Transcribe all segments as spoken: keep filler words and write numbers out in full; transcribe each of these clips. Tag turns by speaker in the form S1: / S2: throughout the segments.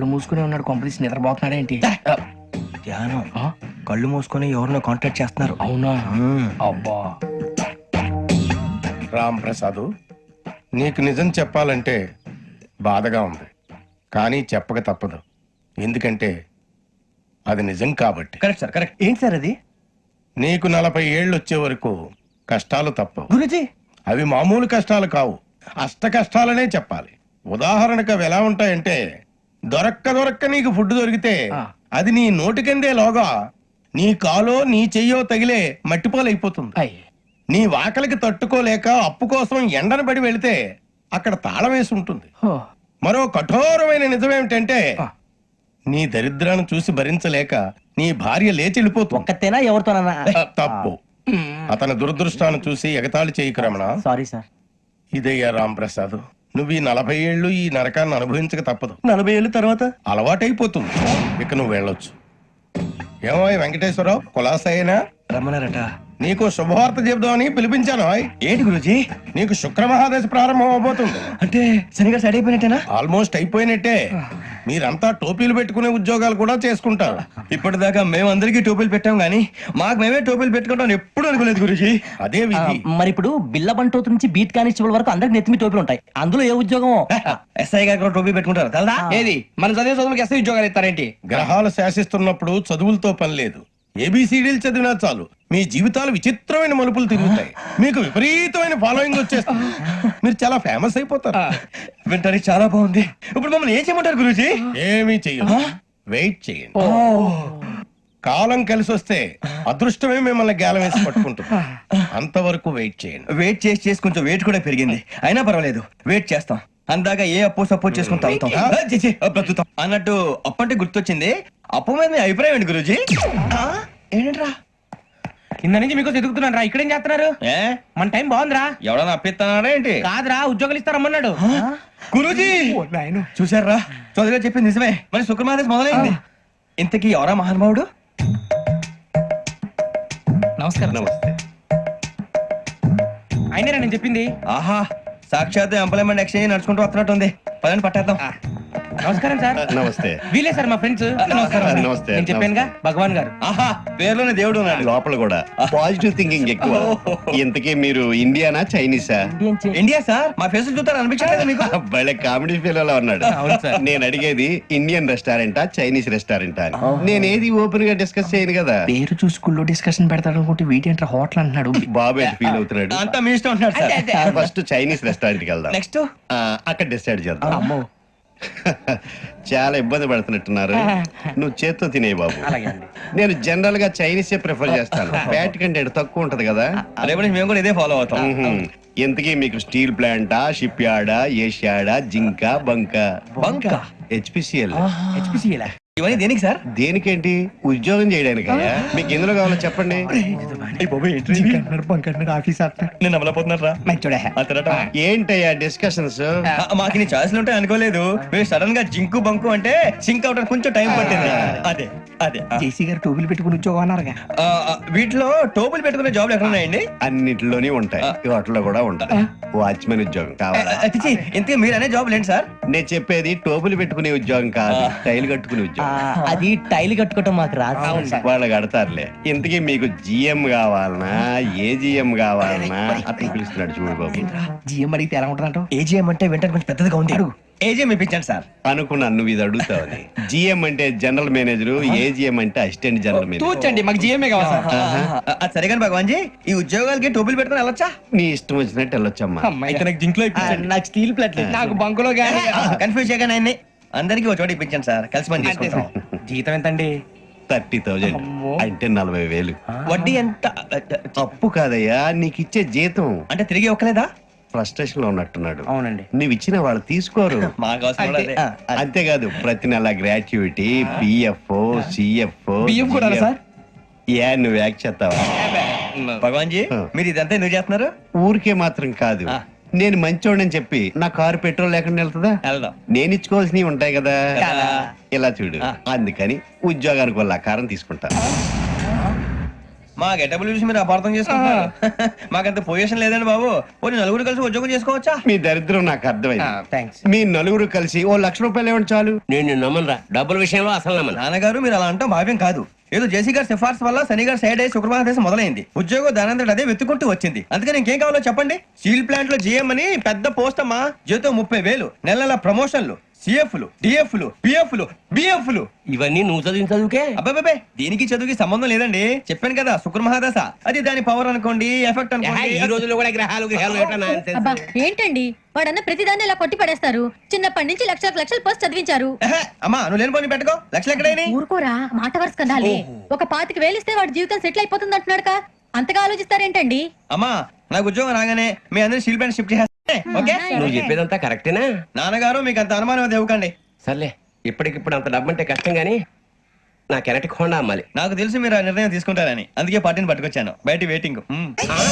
S1: కళ్ళు మూసుకునే ఉన్నాడు, కొంపదీసి నిద్రపోతున్నాడు ఏంటి?
S2: ధ్యానం. కళ్ళు మూసుకొని ఎవరినో కాంటాక్ట్ చేస్తున్నారు.
S1: అవునా? అబ్బా.
S3: రామ్ ప్రసాద్, నీకు నిజం చెప్పాలంటే బాధగా ఉంది, కానీ చెప్పక తప్పదు. ఎందుకంటే అది నిజం కాబట్టి.
S2: Correct sir, correct. ఏంటి సార్ అది?
S3: నీకు నలభై ఏళ్ళు వచ్చే వరకు కష్టాలు తప్పవు
S2: గురుజీ.
S3: అవి మామూలు కష్టాలు కావు, అష్ట కష్టాలనే చెప్పాలి. ఉదాహరణకు అవి ఎలా ఉంటాయంటే, దొరక్క దొరక్క నీకు ఫుడ్ దొరికితే అది నీ నోటికందే లోగా నీ కాలో నీ చెయ్యో తగిలే మట్టిపాలైపోతుంది.
S1: అయ్.
S3: నీ వాకలికి తట్టుకోలేక అప్పు కోసం ఎండను పడి వెళితే అక్కడ తాళం వేసి ఉంటుంది.
S1: హో.
S3: మరో కఠోరమైన నిజమేమిటంటే, నీ దరిద్రాన్ని చూసి భరించలేక నీ భార్య లేచి వెళ్ళిపోతుంది.
S2: ఒక్కతేనా ఎవరితోనన్నా?
S3: తప్పు. అతని దురదృష్టాన్ని చూసి ఎగతాళి చేయకు రమణ.
S2: Sorry sir.
S3: ఇదయ్యా రాంప్రసాద్, నువ్వు ఈ నలభై ఏళ్ళు ఈ నరకాన్ని అనుభవించక తప్పదు.
S2: నలభై ఏళ్ళ తర్వాత
S3: అలవాటైపోతుంది, ఇక నువ్వు వెళ్ళొచ్చు. ఏమో వెంకటేశ్వరరావు, కులాసైనా
S2: రమ్మన్నారట.
S3: నీకు శుభవార్త చెబుదామని పిలిపించాను.
S2: ఏంటి గురుజీ?
S3: నీకు శుక్ర మహాదశ ప్రారంభం అవబోతుంది.
S2: అంటే శనిగా సెట్ అయిపోయినట్టేనా?
S3: ఆల్మోస్ట్ అయిపోయినట్టే. మీరంతా టోపీలు పెట్టుకునే ఉద్యోగాలు కూడా చేసుకుంటారు.
S2: ఇప్పటిదాకా మేమందరికీ టోపీలు పెట్టాం గానీ మాకు మేమే టోపీలు పెట్టుకుంటాం ఎప్పుడు అనుకోలేదు గురుజీ.
S3: అదే విధి.
S4: మరి ఇప్పుడు బిల్ల బంటోతు నుంచి బీట్ కానిస్టేబుల్ వరకు అందరికి నెత్తిమి టోపీలు ఉంటాయి. అందులో ఏ ఉద్యోగం?
S2: ఎస్ఐ గారు కూడా టోపీ పెట్టుకుంటారు తెలదా?
S1: ఏది మన చదివే చదువులకు ఎస్ఐ ఉద్యోగాలు ఇస్తారేంటి?
S3: గ్రహాలు శాసిస్తున్నప్పుడు చదువులతో పని లేదు, ఏబిసిడీలు చదివినా చాలు మీ జీవితాలు విచిత్రమైన మలుపులు తిరుగుతాయి. మీకు విపరీతమైన ఫాలోయింగ్ వచ్చేస్తుంది, మీరు చాలా ఫేమస్ అయిపోతారు.
S2: వింటానికి చాలా బాగుంది. ఇప్పుడు మమ్మల్ని ఏం చేయమంటారు గురూజీ?
S3: ఏమీ చెయ్యదు, వెయిట్ చేయండి. కాలం కలిసి వస్తే అదృష్టమే మిమ్మల్ని గేలం వేసి పట్టుకుంటుంది. అంతవరకు వెయిట్ చేయండి.
S2: వెయిట్ చేసి చేసి కొంచెం వెయిట్ కూడా పెరిగింది, అయినా పర్వాలేదు వెయిట్ చేస్తాం. అందాక ఏ అప్పు సపోర్ట్ చేసుకుని తాగుతాం, ఆ, ఛీ, ఛీ, ఆ, బ్రతుకుతాం అన్నట్టు. అప్పు అంటే గుర్తొచ్చింది, అప్పు మీద మీ అభిప్రాయం ఏంటి గురూజీ? ఏంటరా
S1: కింద నుంచి మీకు ఎదుగుతున్నాను రా. ఇక్కడేం చేస్తున్నారు?
S2: ఏ
S1: మన టైం బాగుందిరా.
S2: ఎవడన్నా అప్పిస్తున్నాడా ఏంటి?
S1: కాదురా, ఉద్యోగాలు ఇస్తారమ్మన్నాడు.
S2: గురూజీ చూసారా, చౌదరిగా చెప్పింది నిజమే. మరి శుక్రమాదేశ్ మొదలైంది. ఇంతకీ ఎవరా మహానుభావుడు?
S1: నమస్కారం.
S3: నమస్తే.
S1: అయినరా నేను చెప్పింది?
S2: ఆహా, సాక్షాత్ ఎంప్లాయ్మెంట్ ఎక్స్చేంజ్ నడుచుకుంటూ వస్తున్నట్టు ఉంది. పదని పట్టేద్దాం.
S1: నమస్కారం సార్.
S5: నమస్తే.
S1: వీలే సార్ మా ఫ్రెండ్స్. నమస్కారం.
S5: నమస్తే.
S1: నేను చెప్పానుగా భగవాన్ గారు.
S2: ఆహా, పేర్లోనే దేవుడు ఉన్నాడు.
S5: లోపల కూడా పాజిటివ్ థింకింగ్ ఎక్కువ. ఇంతకీ మీరు ఇండియానా చైనీసా?
S2: India sir. మా ఫేస్ చూస్తారు అనిపించలేదు మీకు?
S5: భలే కామెడీ ఫీల్ అలా ఉన్నాడు. నేను అడిగేది ఇండియన్ రెస్టారెంటా చైనీస్ రెస్టారెంటా అని. నేను ఏది ఓపెన్ గా డిస్కస్ చేయను కదా.
S1: పేరు చూసి స్కూల్లో డిస్కషన్ పెడతాడు అనుకుంటే వీటేంట్రా హోటల్ అంటున్నాడు.
S5: బాబు ఎట్ ఫీల్ అవుతున్నాడు.
S2: అంతా మీ ఇష్టం ఉంటున్నాడు సార్.
S5: ఫస్ట్ చైనీస్ రెస్టారెంట్ కి వెళ్దాం.
S2: నెక్స్ట్
S5: ఆ, అక్కడ డిసైడ్ చేద్దాం. చాలా ఇబ్బంది పడుతున్నట్టున్నారు. నువ్వు చేత్తో తినే బాబు. నేను జనరల్ గా చైనీసే ప్రిఫర్ చేస్తాను. ఫ్యాట్ కంటెంట్ తక్కువ ఉంటది కదా.
S2: రేపు నుంచి మేము కూడా ఇదే ఫాలో అవుతాం.
S5: మ్మ్. ఇంతకీ మీకు స్టీల్ ప్లాంటా, షిప్ యార్డా, ఏషియాడా, జింక, బంక?
S2: బంక
S5: హెచ్పిసిఎల్.
S1: హెచ్పిసిఎల్
S2: ఇవన్నీ దేనికి సార్?
S5: దేనికేంటి? ఉద్యోగం చేయడానికి. మీకు ఎందులో కావాలో చెప్పండి.
S2: నేను అమలపోతున్నారా?
S5: ఏంటయ్యా డిస్కషన్స్?
S2: మాకు నీ ఛాయిస్లు ఉంటాయి అనుకోలేదు. మీరు సడన్ గా జింకు బంకు అంటే సింక్ అవడానికి కొంచెం టైం పట్టింది. అదే అదే
S1: జేసీ గారు టోపీలు పెట్టుకుని ఉద్యోగం అన్నారుగా.
S2: ఆ, ఆ, వీటిలో టోపులు పెట్టుకునే జాబ్లు ఎక్కడ ఉన్నాయండి?
S5: అన్నిటిలోనే ఉంటాయి, వాటిలో కూడా ఉంటాయి. వాచ్మెన్ ఉద్యోగం కావాలా?
S2: అతిచి ఇంతకీ మీరు అనే జాబ్ ఏంటి సార్?
S5: నేను చెప్పేది టోపులు పెట్టుకునే ఉద్యోగం కాదు, టైల్ కట్టుకునే ఉద్యోగం.
S4: అది టైల్ కట్టుకోవటం మాకు రాదు.
S5: వాళ్ళు కడతారులే. ఇంతకీ మీకు జిఎం కావాలనా, ఏ జిఎం కావాలనా? అతను పిలుస్తున్నాడు చూడు బాబు.
S1: జిఎం అడిగితే ఎలా ఉంటుందంట?
S2: ఏజీఎం అంటే వెంటనే కొంచెం పెద్దదిగా ఉంది. ఏజీఎం ఇప్పించండి సార్.
S5: అనుకున్నాను నువ్వు ఇది అడుగుతావని. జిఎం అంటే జనరల్ మేనేజర్, ఏజిఎం అంటే అసిస్టెంట్ జనరల్ మేనేజర్.
S1: తూచండి, మాకు జిఎంఏ కావాలి సార్.
S2: అది సరే కానీ భగవాన్ జీ, ఈ ఉద్యోగాలకి టోపులు పెట్టుకుని వెళ్ళొచ్చా?
S5: నీ ఇష్టం వచ్చినట్టు వెళ్ళొచ్చమ్మా.
S2: అయితే నాకు జింక్ లో
S4: నాకు స్టీల్ ప్లేట్
S1: నాకు బంకులో గానీ.
S2: కన్ఫ్యూజ్ చేయగానే ఆయన్ని అందరికీ ఒక చోట ఇప్పించండి సార్, కలిసి పని చేసుకుంటాం.
S1: జీతం ఎంతండి?
S5: థర్టీ థౌజండ్ అంటే నలభై వేలు.
S2: వడ్డీ ఎంత?
S5: అప్పు కాదయ్యా, నీకు ఇచ్చే జీతం.
S2: అంటే తిరిగి ఒక్కలేదా?
S5: ఫ్రస్ట్రేషన్ లో ఉన్నట్టున్నాడు.
S1: అవునండి.
S5: నువ్వు ఇచ్చిన వాళ్ళు తీసుకోరు.
S2: మాకు అవసరం కూడా అదే.
S5: అంతేకాదు ప్రతి నెల గ్రాట్యుటీ, పిఎఫ్, సిఎఫ్.
S1: బియ్యం కూడా సార్?
S5: ఏ నువ్వు యాక్ చేస్తావా?
S2: భగవాన్ జీ, మీరు ఇదంతా ఎందుకు చేస్తున్నారు?
S5: ఊరికే మాత్రం కాదు, నేను మంచోడని చెప్పి నా కారు పెట్రోల్ లేకుండా వెళ్తుందా?
S2: వెళ్దాం.
S5: నేను ఇచ్చుకోవాల్సినవి ఉంటాయి కదా.
S2: కదా.
S5: ఇలా చూడు, అందుకని ఉద్యోగానికి వాళ్ళ ఆకారం తీసుకుంటా.
S2: మా గెటబుల్ చూసి మీరు అపార్థం చేసుకుంటున్నారు. మాకంత పొజిషన్ లేదండి బాబు. పోనీ నలుగురు కలిసి ఉద్యోగం చేసుకోవచ్చా?
S5: మీ దరిద్రం నాకు అర్థమైంది.
S1: థ్యాంక్స్.
S5: మీ నలుగురు కలిసి ఓ లక్ష రూపాయలు ఇవ్వండి చాలు.
S6: నేను నమ్మనరా డబ్బుల విషయంలో అసలు నమ్మను.
S2: నాన్నగారు మీరు అలా అంటాం భావ్యం కాదు. ఏదో జేసీ గారి సిఫార్సు వల్ల శని గారు సైడ్ అయ్యి శుక్రవారం దేశం మొదలైంది. ఉద్యోగం దానంతటి అదే వెతుకుంటూ వచ్చింది. అందుకని ఇంకేం కావాలో చెప్పండి. స్టీల్ ప్లాంట్ లో జీఎం అని పెద్ద పోస్ట్ అమ్మా. జీతం ముప్పై వేలు, నెల నెల ప్రమోషన్లు, సిఎఫ్లు, డిఎఫ్లు, పిఎఫ్లు, బిఎఫ్లు.
S6: ఇవన్నీ నువ్వు చదివిన చదువుకే.
S2: అబ్బాబే దీనికి చదువుకి సంబంధం లేదండి. చెప్పాను కదా శుక్ర మహాదశ. అది దాని పవర్ అనుకోండి, ఎఫెక్ట్
S6: ఏహే, ఈ
S2: అనుకోండి.
S6: రోజుల్లో కూడా గ్రహాలు గ్రహాలు ఏటా nonsense?
S7: అబ్బా ఏంటండి వాడన్న ప్రతిదాన్ని ఇలా కొట్టి పడేస్తారు. చిన్నప్పటి నుంచి లక్షలకు లక్షలు పోస్ట్ చదివించారు.
S2: ఎహె, అమ్మా నువ్వు లేని పోనీ పెట్టుకో. లక్షలు ఎక్కడైనా
S7: ఊరుకోరా మాట వరుస కదాలే. ఒక పాతికి వేలిస్తే వాడి జీవితం సెటిల్ అయిపోతుంది అంటున్నాడు. అంతగా ఆలోచిస్తారేంటండి?
S2: అమ్మా నాకు ఉద్యోగం రాగానే మీ అందరినీ స్టీల్ ప్లాంట్ షిఫ్ట్ చేస్తే ఓకే.
S6: నువ్వు చెప్పేదంతా కరెక్టేనా?
S2: నాన్నగారు మీకు అంత అనుమానం అది ఇవ్వకండి.
S6: సర్లే, ఇప్పటికిప్పుడు అంత డబ్బు అంటే కష్టం గానీ నా కెనటిక్ హోండా అమ్మాలి.
S2: నాకు తెలుసు మీరు ఆ నిర్ణయం తీసుకుంటారని, అందుకే పార్టీని పట్టుకొచ్చాను. బయట వెయిటింగ్. మ్మ్.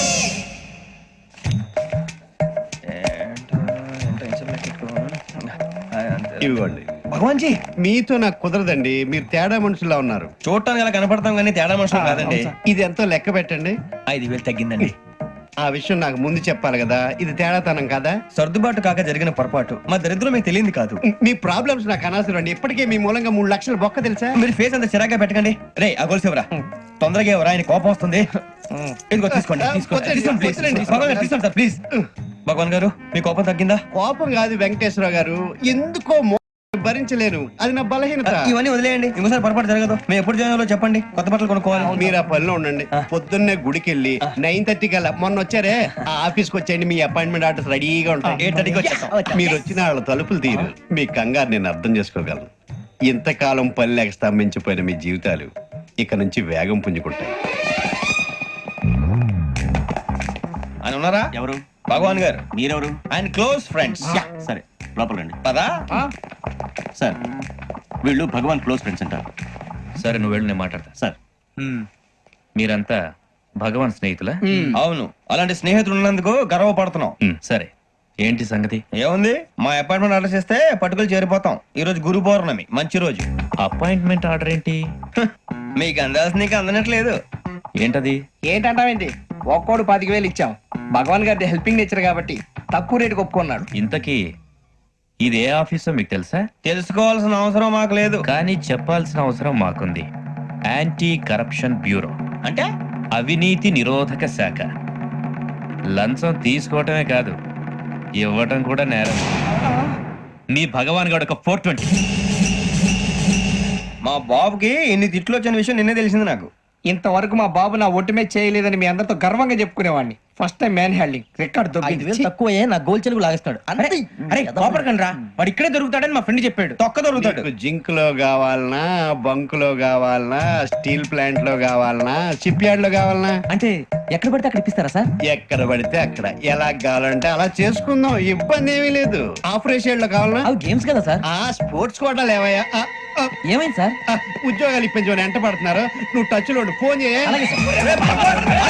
S5: ఇవ్వండి.
S2: భగవాన్ జీ
S5: మీతో నాకు కుదరదండి. మీరు తేడా మనుషులా ఉన్నారు.
S2: చూడటానికి అలా కనపడతాం కానీ తేడా మనుషులు కాదండి.
S5: ఇది ఎంతో లెక్క పెట్టండి.
S2: ఐదు వేలు తగ్గిందండి.
S5: ఆ విషయం నాకు ముందు చెప్పాలి కదా. ఇది తేడాతనం కదా.
S2: సర్దుబాటు కాక జరిగిన పొరపాటు. మా దరిద్రం మీకు తెలియంది కాదు.
S5: మీ ప్రాబ్లమ్స్ నాకు అనవసరం అండి. ఇప్పటికే మీ మూలంగా మూడు లక్షల బొక్క తెలుసా.
S2: మీరు ఫేస్ అంత చిరాగ్గా పెట్టకండి. రే ఆ గొలుసేవరా తొందరగా ఎవరా, ఆయన కోపం వస్తుంది. ఇదిగో తీసుకోండి తీసుకోండి తీసుకోండి, please. భగవాన్ గారు తీసుకోండి సార్ ప్లీజ్. భగవాన్ గారు మీ కోపం తగ్గిందా?
S5: కోపం కాదు వెంకటేశ్వర గారు, ఎందుకో మో- భరించలేను. అది నా బలహీనత.
S2: ఇవన్నీ వదిలేయండి. ఇంకోసారి పొరపాటు జరగదు. మేము ఎప్పుడు జాయిన్ అవ్వాలో చెప్పండి. కొత్త బట్టలు కొనుక్కోవాలి.
S5: మీరు ఆ పనిలో ఉండండి. పొద్దున్నే గుడికి వెళ్ళి నైన్ థర్టీ కల్లా మొన్న వచ్చారే ఆ ఆఫీస్కి వచ్చేయండి. మీ అపాయింట్మెంట్ ఆర్డర్స్ రెడీగా ఉంటాయి.
S2: ఎయిట్ థర్టీకి వచ్చేస్తాం.
S5: మీరు వచ్చిన వాళ్ళ తలుపులు తీరు. మీ కంగారు నేను అర్థం చేసుకోగలను. ఇంతకాలం పని లేక స్తంభించిపోయిన మీ జీవితాలు ఇక నుంచి వేగం పుంజుకుంటాయి.
S2: ఆయన ఉన్నారా?
S8: ఎవరు?
S2: భగవాన్ గారు.
S8: మీరెవరు?
S2: ఆయన క్లోజ్ ఫ్రెండ్స్.
S8: సరే లోపల రండి.
S2: పదా
S8: సార్ వీళ్ళు భగవాన్ క్లోజ్ ఫ్రెండ్స్ అంటారు.
S9: సరే నువ్వు వెళ్ళు, నేను మాట్లాడతా.
S8: సార్
S9: మీరంతా భగవాన్ స్నేహితులా?
S2: అవును, అలాంటి స్నేహితులు ఉన్నందుకు గర్వపడుతున్నాం.
S9: మ్, సరే ఏంటి సంగతి?
S2: ఏముంది, మా అపాయింట్మెంట్ ఆర్డర్ చేస్తే పట్టుకులు చేరిపోతాం. ఈ రోజు గురు పౌర్ణమి, మంచి రోజు.
S9: అపాయింట్మెంట్ ఆర్డర్ ఏంటి?
S2: హ, మీకు అందాల్సిన నీకు అందనట్లేదు.
S9: ఏంటది?
S1: ఏంటంటావేంటి? ఒక్కోడు పాతిక వేలు ఇచ్చాం. భగవాన్ గారి హెల్పింగ్ నేచర్ కాబట్టి తక్కువ రేటుకి ఒప్పుకున్నాడు.
S9: ఇంతకీ ఇది ఏ ఆఫీసో మీకు తెలుసా?
S2: తెలుసుకోవాల్సిన అవసరం మాకు లేదు.
S9: కానీ చెప్పాల్సిన అవసరం మాకుంది. యాంటీ కరప్షన్ బ్యూరో
S2: అంటే
S9: అవినీతి నిరోధక శాఖ. లంచం తీసుకోవటమే కాదు, ఇవ్వటం కూడా నేరం. మీ భగవాన్ గారు ఒక ఫోర్ ట్వంటీ.
S2: మా బాబుకి ఇన్ని తిట్లు వచ్చిన విషయం నిన్నే తెలిసింది నాకు.
S1: ఇంతవరకు మా బాబు నా ఒట్టుమే చేయలేదని మీ అందరితో గర్వంగా చెప్పుకునేవాడిని. First time man handing record
S4: ఐదు వేలు తక్కువ నా గోల్ చెలుగు లాగేస్తాడు.
S1: అరే కోపడకండి రా, వాడు ఇక్కడే దొరుకుతాడని మా ఫ్రెండ్ చెప్పాడు.
S2: తొక్క దొరుకుతాడు.
S5: మీకు జింక్ లో కావాలనా, బంక్ లో కావాలనా, స్టీల్ ప్లాంట్ లో కావాలనా, షిప్ యార్డ్ లో కావాలనా?
S4: అంటే ఎక్కడ పడితే అక్కడ ఇప్పిస్తారా సార్?
S5: ఎక్కడ పడితే అక్కడ ఎలా కావాలంటే అలా చేసుకుందాం. ఇబ్బంది ఏమీ లేదు. ఆపరేషన్ లో కావాలనా?
S4: అవి గేమ్స్ కదా సార్.
S5: ఆ స్పోర్ట్స్ కోటాలు ఏవయ్యా? ఆ, ఆ,
S4: ఏమైంది సార్?
S5: ఆ, ఉద్యోగాలు ఇప్పించమని ఎంట పడుతున్నారు. నువ్వు టచ్ లో ఉండు. ఫోన్ చేయ.
S4: అలాగే sir.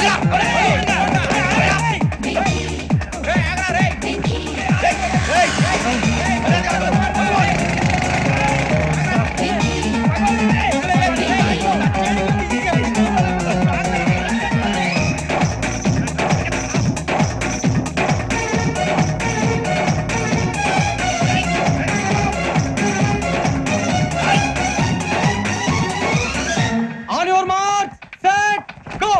S2: On your mark set go.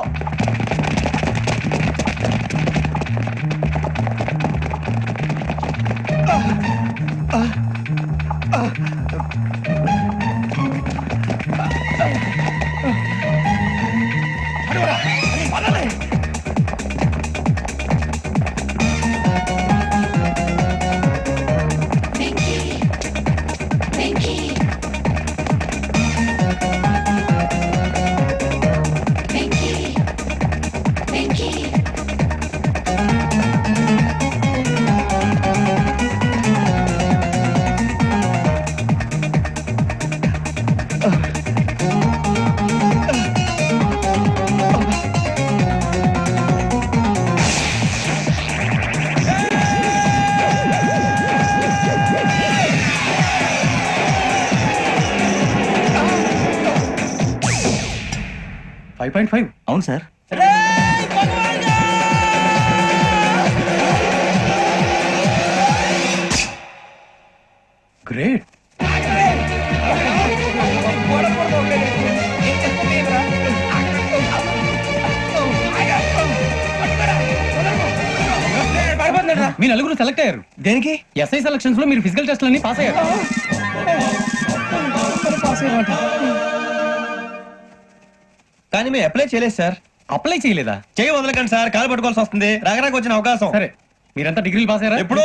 S1: Five point five
S8: అవును సార్.
S3: గ్రేట్.
S10: మీ నలుగురు సెలెక్ట్ అయ్యారు.
S2: దేనికి?
S10: ఎస్ఐ సెలక్షన్స్ లో మీరు ఫిజికల్ టెస్ట్ అన్ని పాస్ అయ్యారు.
S2: కానీ మేము అప్లై చేయలేదు సార్.
S10: అప్లై చేయలేదా?
S2: చేయి వదలకండి సార్, కాలు పట్టుకోవాల్సి వస్తుంది. రాగరాకు వచ్చిన అవకాశం.
S10: సరే, మీరంతా డిగ్రీలు పాస్ అయ్యారా?
S2: ఎప్పుడో.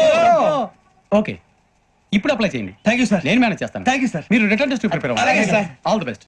S10: ఓకే, ఇప్పుడు అప్లై చేయండి.
S2: Thank you sir.
S10: నేను మేనేజ్ చేస్తాను.
S2: Thank you sir.
S10: మీరు రిటర్న్ టెస్ట్ ప్రిపేర్
S2: అలాగే సార్.
S10: All the best.